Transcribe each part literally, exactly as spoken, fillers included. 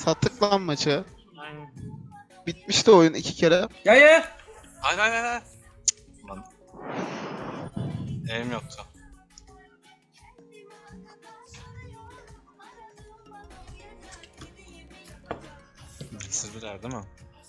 Sattık lan maçı. Aynen. Bitmişti oyun iki kere. Ya ya. Hayır hayır hayır. Cık, Lan. Eğim yoktu. Sızdılar değil mi?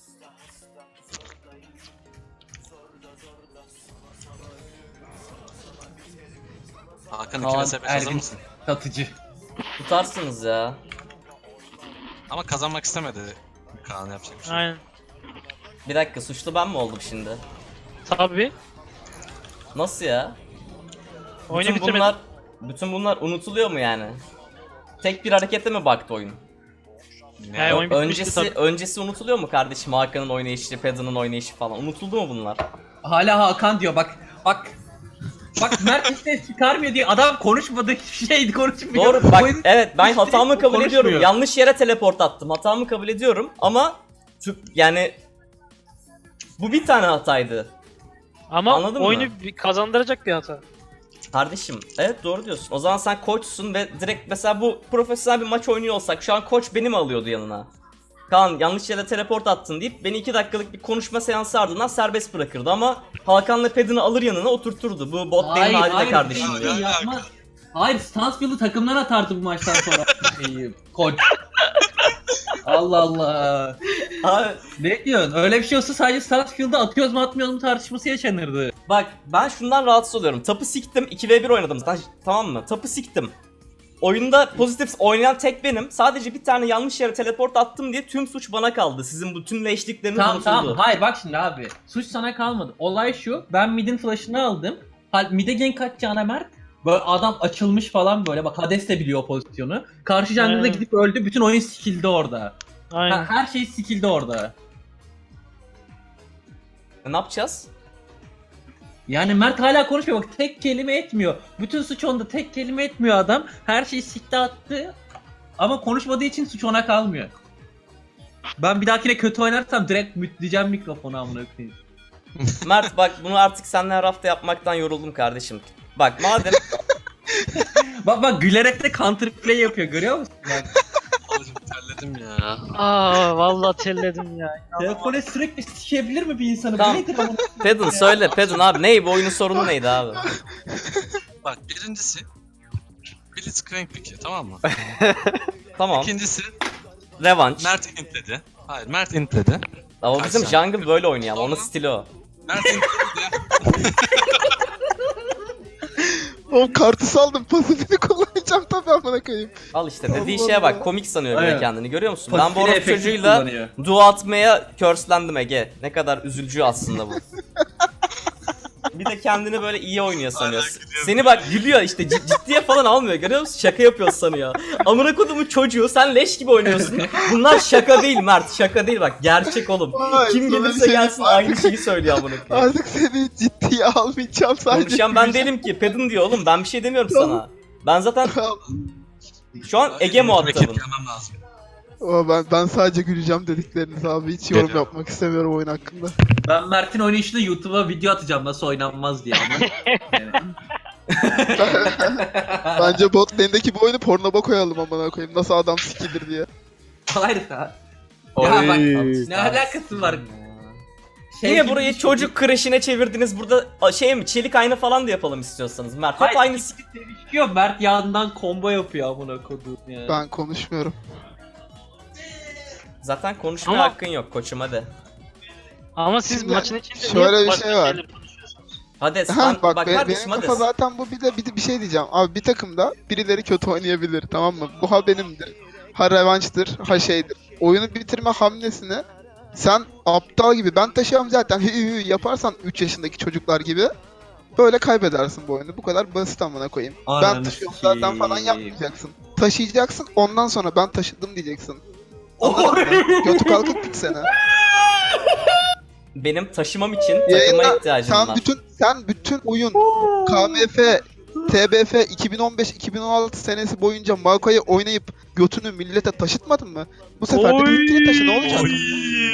Hakan iki Kaan vs beş hazır Ergin. mısın? Satıcı. Tutarsınız ya. Ama kazanmak istemedi Kaan, yapacak bir şey yok. Aynen. Bir dakika, suçlu ben mi oldum şimdi? Tabii. Nasıl ya? Oyunu Bütün bitirmedim. bunlar, bütün bunlar unutuluyor mu yani? Tek bir harekete mi baktı oyun? Ne? Yani oyun bitmişti Öncesi tabii. öncesi unutuluyor mu kardeşim? Hakan'ın oynayışı, Pedro'nun oynayışı falan. Unutuldu mu bunlar? Hala Hakan diyor bak. Bak. Bak Mert işte çıkarmıyor diye adam konuşmadı, hiçbir şey konuşmuyor. Doğru bak, Oyun- evet ben işte hatamı kabul konuşmuyor. ediyorum. Yanlış yere teleport attım. Hatamı kabul ediyorum ama tüp yani bu bir tane hataydı. Ama Anladın oyunu mı? bir kazandıracak bir hata. Kardeşim evet doğru diyorsun. O zaman sen koçsun ve direkt mesela bu profesyonel bir maç oynuyor olsak şu an koç beni mi alıyordu yanına? Kaan yanlış yere teleport attın deyip beni iki dakikalık bir konuşma seansı ardından serbest bırakırdı ama Hakan'la Pedin'i alır yanına oturturdu. Bu bot Hayır, benim haline hayır, kardeşim hayır, diyor. diyor. yapmaz. Hayır, Stansfield'ı takımdan atardı bu maçtan sonra. Şeyi, koç. Allah Allah. Abi, Ne diyorsun? Öyle bir şey olsa sadece Stansfield'ı atıyoruz mu atmıyoruz mu tartışması yaşanırdı. bak ben şundan rahatsız oluyorum. Tapı siktim, iki ve bir oynadım zaten, tamam mı? Tapı siktim. Oyunda pozitif oynayan tek benim. Sadece bir tane yanlış yere teleport attım diye tüm suç bana kaldı. Sizin bu tüm leşlikleriniz Tamam unutuldu. tamam. Hayır bak şimdi abi. Suç sana kalmadı. Olay şu. Ben mid'in flash'ını aldım. Ha, mid'e gank atacağına Mert. Böyle adam açılmış falan böyle. Bak Hades de biliyor o pozisyonu. Karşı jungle'da Hmm. gidip öldü. Bütün oyun skill'de orada. Aynen. Ha, her şey skill'de orada. E, ne yapacağız? Yani Mert hala konuşmuyor. Bak tek kelime etmiyor. Bütün suç onda. Tek kelime etmiyor adam. Her şeyi sikte attı. Ama konuşmadığı için suç ona kalmıyor. Ben bir dahakine kötü oynarsam direkt mütleyeceğim mikrofonu amına koyayım. Mert bak bunu artık seninle her hafta yapmaktan yoruldum kardeşim. Bak madem Bak bak gülerek de counter play yapıyor, görüyor musun? Bak. Oğlum terledim ya. Aa vallahi terledim ya. Telefona sürekli sikebilir mi bir insanı? Tamam. Bu nedir ama? Pedon söyle Pedon abi ney bu oyunun sorunu neydi abi? Bak birincisi Blitzcrank piki, tamam mı? Tamam. İkincisi Revanş. Mert intledi. Hayır, Mert intledi. Ama bizim Kaç jungle böyle oynuyor ama onun Sonra- stili o. Mert intledi. Oğlum kartı saldım, pasifini kullanacağım tabii amına koyayım. Al işte dediği Allah şeye bak Allah. komik sanıyor böyle Aynen. kendini görüyor musun? Ben Pasifini bu orospu efektif çocuğuyla kullanıyor. dua atmaya curse'lendim Ege. Ne kadar üzücü aslında bu. Bir de kendini böyle iyi oynuyor sanıyor. Hala gülüyor. Seni bak gülüyor işte cid- ciddiye falan almıyor görüyor musun? Şaka yapıyor sanıyor. Amına kodumun çocuğu sen leş gibi oynuyorsun. Bunlar şaka değil Mert, şaka değil bak gerçek oğlum. Vay, Kim sana bir gelirse şey gelsin diyeyim. aynı şeyi söylüyor amına koyayım. Artık seni ciddiye almayacağım sadece. Konuşan ben değilim ki. Pedin diyor oğlum. Ben bir şey demiyorum sana. Ben zaten şu an Ege muhatabım. Yemem lazım. Ama ben, ben sadece güleceğim dedikleriniz abi. Hiç yorum Geliyor. yapmak istemiyorum oyun hakkında. Ben Mert'in oynayışını YouTube'a video atacağım nasıl oynanmaz diye ama. Yani. Bence bot lane'deki bu oyunu pornoba koyalım amına koyayım. Nasıl adam sikilir diye. Hayır ya. Ya bak ne alakası var? Şey Yine gibi burayı düşün. çocuk kreşine çevirdiniz. Burada a, şey mi? Çelik ayna falan da yapalım istiyorsanız Mert. Hep Hayır, aynı. ikisi sevişiyor. Mert yandan combo yapıyor amına koduğum ya. Ben konuşmuyorum. Zaten konuşmaya Ama- hakkın yok koçum hadi. Ama siz Şimdi maçın içinde şöyle niye bir başka şey var. şeyler konuşuyorsunuz? Hades Ha, ben, bak, bak, be- kardeşim benim kafa Hades. zaten bu, bir de bir, de bir şey diyeceğim. Abi bir takımda birileri kötü oynayabilir, tamam mı? Bu ha benimdir. Ha revanştır, ha şeydir. Oyunu bitirme hamlesini sen aptal gibi ben taşıyorum zaten hü hü yaparsan üç yaşındaki çocuklar gibi böyle kaybedersin bu oyunu. Bu kadar basit amına koyayım. Ben Ananı taşıyorum zaten falan sikeyim. yapmayacaksın. Taşıyacaksın, ondan sonra ben taşıdım diyeceksin. Anladın mı? Götü kalkıp gitsene. Benim taşımam için takıma Yayında ihtiyacım sen var. bütün sen bütün oyun K M F, T B F iki bin on beş iki bin on altı senesi boyunca Maokai oynayıp götünü millete taşıtmadın mı? Bu sefer de benimkini taşı, ne olacak?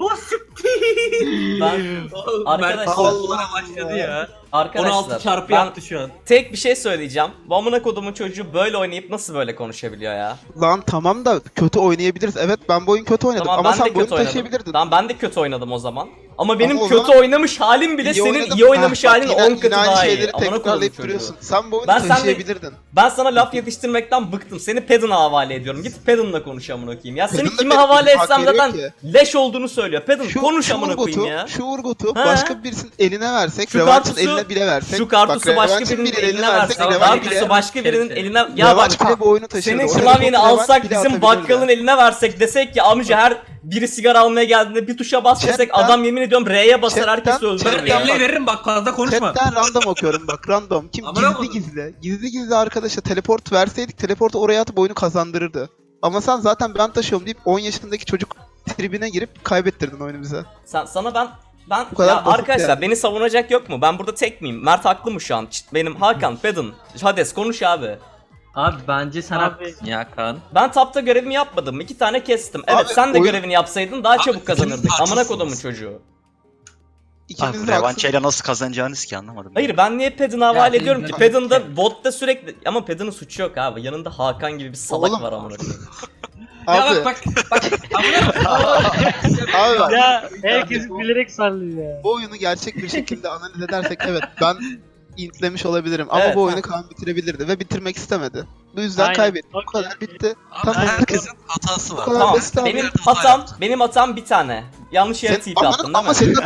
O siktir. Ben Arkadaşlar Arkadaşlar- başladı ya. arkadaşlar on altı çarpı ben yaptı şu an. tek bir şey söyleyeceğim. Bu amına kodumun çocuğu böyle oynayıp nasıl böyle konuşabiliyor ya? Lan tamam da kötü oynayabiliriz. Evet ben bu oyun kötü oynadım Tamam ama ben de sen bu oyunu kötü oynadım. taşıyabilirdin. Tamam ben de kötü oynadım o zaman. Ama benim Ama o kötü zaman oynamış halim bile İyi senin oynadım. iyi oynamış Heh, bak halin yine- on yine katı aynı daha iyi. şeyleri Amına kodumun tekrarlayıp çocuğu. duruyorsun. Sen bu oyunu Ben seninle- taşıyabilirdin. Ben sana laf yetiştirmekten bıktım. Seni Pedon'a havale ediyorum. Git Pedon'la konuş amına koyayım. Ya seni Pedon'da kime Pedon havale hak etsem veriyor zaten ki. leş olduğunu söylüyor. Pedon Şu, konuş şu amına koyayım Urgot'u, ya. şu Urgot'u Ha. başka birisinin eline versek, Şu Revanch'ın kartusu- eline bile versek. Şu kartusu bak, başka Revanch'ın birinin biri eline versek. Revanch Kartusu bile, başka birinin Neyse. eline... Ya bak Revanch bile bu oyunu taşırdı. senin Oraya klavyeni Revanch alsak bile bizim atabilirdi. bakkalın eline versek desek ki amca her biri sigara almaya geldiğinde bir tuşa bas desek Chatten- adam yemin ediyorum R'ye basar Chatten- herkesi öldürür Chatten- ya. Elle veririm bak fazla konuşma. Chatten random okuyorum bak random. Kim Amına gizli koydum. gizli. Gizli gizli arkadaşa teleport verseydik teleportu oraya atıp oyunu kazandırırdı. Ama sen zaten ben taşıyorum deyip on yaşındaki çocuk tribine girip kaybettirdin oyunu bize. Sen, sana ben ben Bu kadar ya basit arkadaşlar yani. beni savunacak yok mu? Ben burada tek miyim? Mert haklı mı şu an? Çıt, benim Hakan, Pedon, Hades konuş abi. Abi bence sen Abi- haklısın ya Kaan. Ben tapta görevimi yapmadım. İki tane kestim. Evet Abi, sen de oyun- görevini yapsaydın daha çabuk kazanırdık. ikiniz Amına haksızsınız. kodumun çocuğu. İkimiz Abi de haksız. revançayla nasıl kazanacağınız ki anlamadım. Hayır ben niye Pedon'a havale senin ediyorum ki? canın- Pedon da botta sürekli ama Pedon'un suçu yok abi. Yanında Hakan gibi bir salak Oğlum. var amına koyayım. Ya Abi, bak bak bak. Amına abi bak. Ya herkes bilerek sallıyor ya. Bu oyunu gerçek bir şekilde analiz edersek evet ben intlemiş olabilirim ama Evet, bu ha. oyunu Kaan bitirebilirdi ve bitirmek istemedi. Bu yüzden Aynen. kaybettik. Bu Okey. kadar bitti. Abi Tamam. herkesin hatası var. Tamam. Tamam basit abi. benim Bir hata hatam yaptık. benim hatam bir tane. Yanlış yere Sen, T P attın Aman- değil ama mi? senin de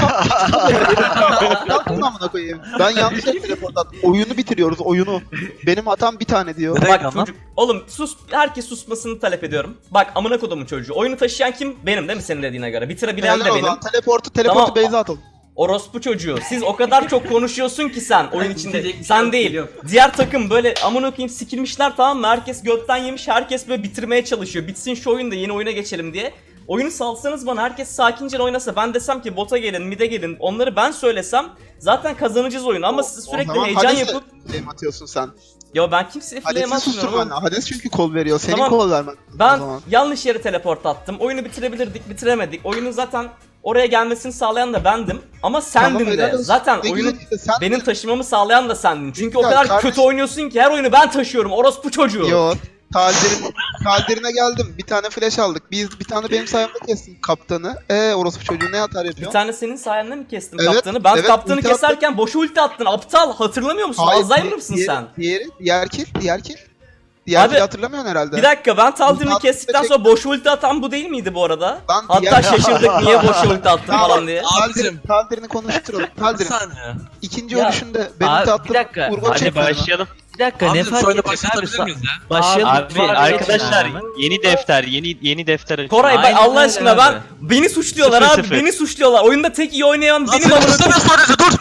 tam yaptın amına koyayım. Ben yanlış yere teleport attım. Oyunu bitiriyoruz oyunu. Benim hatam bir tane diyor. Direkt Bak ama. çocuk oğlum sus herkes susmasını talep ediyorum. Bak amına kodumun çocuğu. Oyunu taşıyan kim? Benim değil mi senin dediğine göre? Bitirebilen de Helal o benim. zaman. Teleportu teleportu Tamam. Beyza atalım. Orospu çocuğu. Siz o kadar çok konuşuyorsun ki sen oyun içinde. Bitecek bir şey Sen yok, değil. biliyorum. Diğer takım böyle amına koyayım sikilmişler tamam mı? Herkes götten yemiş. Herkes böyle bitirmeye çalışıyor. Bitsin şu oyun da yeni oyuna geçelim diye. Oyunu salsanız bana herkes sakince oynasa ben desem ki bota gelin mid'e gelin onları ben söylesem zaten kazanacağız oyunu ama siz O sürekli zaman heyecan Hades'e yapıp flame atıyorsun sen. ya ben kimseye flame Hades'i atmıyorum susturman ama lazım. Hades çünkü kol veriyor. Senin Tamam. kol vermen. o ben zaman. yanlış yere teleport attım. Oyunu bitirebilirdik bitiremedik. Oyunun zaten oraya gelmesini sağlayan da bendim ama sendim Tamam, helal de. olsun. Zaten Ne oyunu güzel işte, sen benim de- taşımamı sağlayan da sendin. Çünkü o Ya kadar kardeşim- kötü oynuyorsun ki her oyunu ben taşıyorum. Orospu çocuğu. Yo. Taldir'in Taldir'ine geldim. Bir tane flash aldık. Biz bir tane benim sayemde kestim kaptanı. Ee orospu çocuğu ne atar Bir yapıyor? tane senin sayende mi kestim Evet, kaptanı? Ben evet, kaptanı ulti keserken boşa ulti attın. Aptal hatırlamıyor musun? Alzheimer di- mısın diğeri, sen? Diğeri, diğer kill, diğer kill. Diğer Abi, kill hatırlamıyorsun herhalde. Bir dakika ben Taldir'i Ulti kestikten attık, sonra boşa ulti atan bu değil miydi bu arada? Ben Hatta diğer- şaşırdık niye boşa ulti attın Tamam. falan diye. Taldir'in, Abicim. Taldir'ini konuşturalım. Bir Taldir'in saniye. ikinci Ya, ölüşünde benim Abi, de attığım bir dakika. Urgot Hadi çekmedi mi? başlayalım. Bir dakika Abi ne fark şöyle edecek abi? başlatabilir miyiz ya? Başlayalım. Abi, Abi, arkadaşlar abi. yeni defter, yeni yeni defter açın. Koray bak Aynen Allah öyle aşkına ben abi. beni suçluyorlar Sıfır abi sıfır. beni suçluyorlar. Oyunda tek iyi oynayan benim Benim amına sadece dur.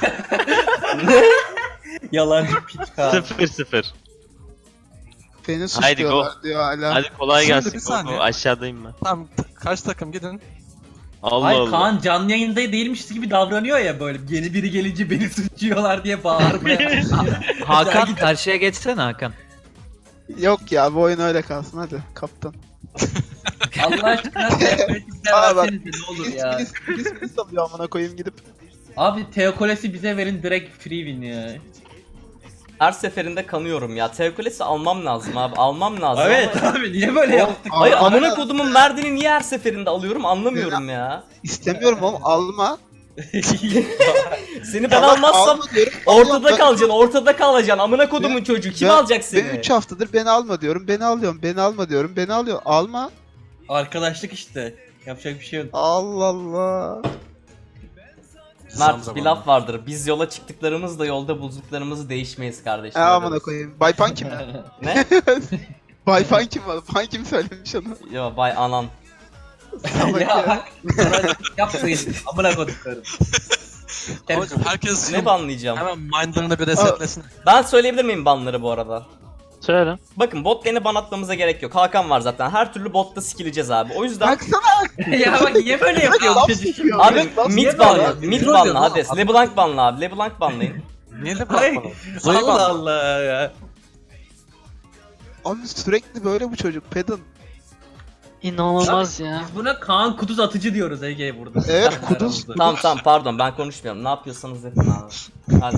Yalancı piç Kaan. Sıfır sıfır. Beni Haydi go. suçluyorlar diyor hala. Hadi kolay Şimdi gelsin. bir saniye. Go, go. Aşağıdayım ben. Tamam kaç takım gidin. Allah Hayır Allah. Kaan canlı yayında değilmiş gibi davranıyor ya böyle yeni biri gelince beni suçluyorlar diye bağırmaya. Hakan karşıya geçsene Hakan. Yok ya bu oyun öyle kalsın hadi kaptan. Allah aşkına Teokolesi bize Aa, bak. versenize ne olur Biz ya. biz biz biz salıyor amına koyayım gidip. Abi Teokolesi bize verin direkt free win ya. Her seferinde kanıyorum ya. Teokolesi almam lazım abi. Almam lazım. Evet ama- abi niye böyle yaptık? Hayır Alman amına lazım. kodumun merdini niye her seferinde alıyorum anlamıyorum ya. İstemiyorum oğlum alma. Seni ben Tamam, almazsam alma diyorum. ortada Alıyorum. kalacaksın, ortada kalacaksın. Amına kodumun Ben- çocuğu kim ben- alacak Ben seni? üç haftadır beni alma diyorum. Beni alıyorum. Beni alma diyorum. Beni alıyor. Alma. Arkadaşlık işte. Yapacak bir şey yok. Allah Allah. Mert bir laf vardır. Biz yola çıktıklarımızda yolda bulduklarımızı değişmeyiz kardeşim. E amına koyayım. Baypan kim? Ne? Baypan kim var? Pan kim söylemiş onu? Yo bay anan. Salak ya ya. bak. sana Yapmayın. Amına koduklarım. Abicim herkes Ne banlayacağım? hemen mindlarını bir resetlesin. Ben söyleyebilir miyim banları bu arada? Söyle. Bakın bot lane'i ban atmamıza gerek yok. Hakan var zaten. Her türlü botta skilleceğiz abi. O yüzden Baksana. ya bak niye böyle yapıyor bu çocuk? abi Laf mid niye banla, böyle? mid Troll banla diyorum Hades. oğlum. LeBlanc banla abi. LeBlanc banlayın. Niye de Ay, bırakmadın? Allah Allah ya. Abi sürekli böyle bu çocuk. Pedon. İnanılmaz ya. Biz buna Kaan Kuduz atıcı diyoruz Ege burada. Evet, Kendi Kuduz. aramızda. Tamam tamam pardon ben konuşmuyorum. Ne yapıyorsanız yapın abi. Hadi.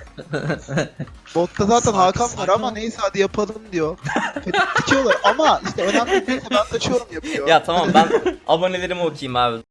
Botta zaten Sakin, Hakan var sakin ama ol. neyse hadi yapalım diyor. Ferit dikiyorlar ama işte önemli değilse ben kaçıyorum yapıyor. Ya tamam ben abonelerimi okuyayım abi.